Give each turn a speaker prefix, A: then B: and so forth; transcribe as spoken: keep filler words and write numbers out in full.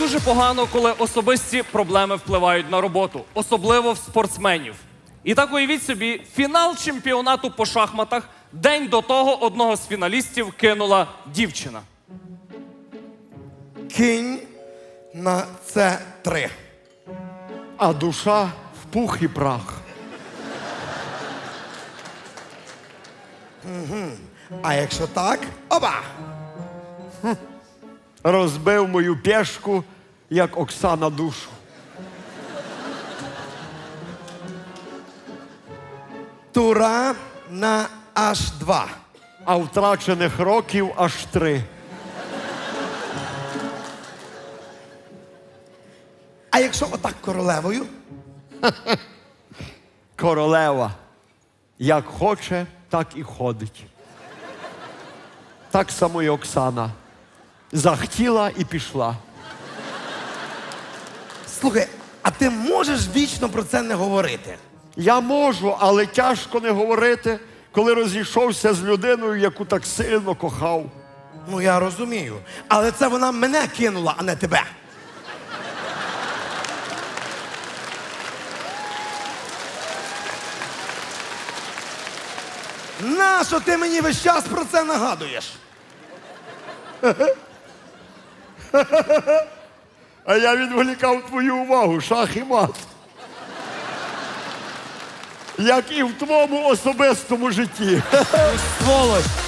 A: дуже погано, коли особисті проблеми впливають на роботу, особливо в спортсменів. І так уявіть собі, фінал чемпіонату по шахматах, день до того одного з фіналістів кинула дівчина.
B: Кинь на це три.
C: А душа в пух і прах.
B: А якщо так, оба!
C: Розбив мою пєшку, як Оксана душу.
B: Тура на аж два.
C: А втрачених років аж три.
B: А якщо отак королевою?
C: Королева. Як хоче, так і ходить. Так само і Оксана. Захотіла і пішла.
B: Слухай, а ти можеш вічно про це не говорити?
C: Я можу, але тяжко не говорити, коли розійшовся з людиною, яку так сильно кохав.
B: Ну, я розумію. Але це вона мене кинула, а не тебе. Нащо ти мені весь час про це нагадуєш?
C: А я відволікав твою увагу, шах і мат. Як і в твоєму особистому житті.
A: Сволочь!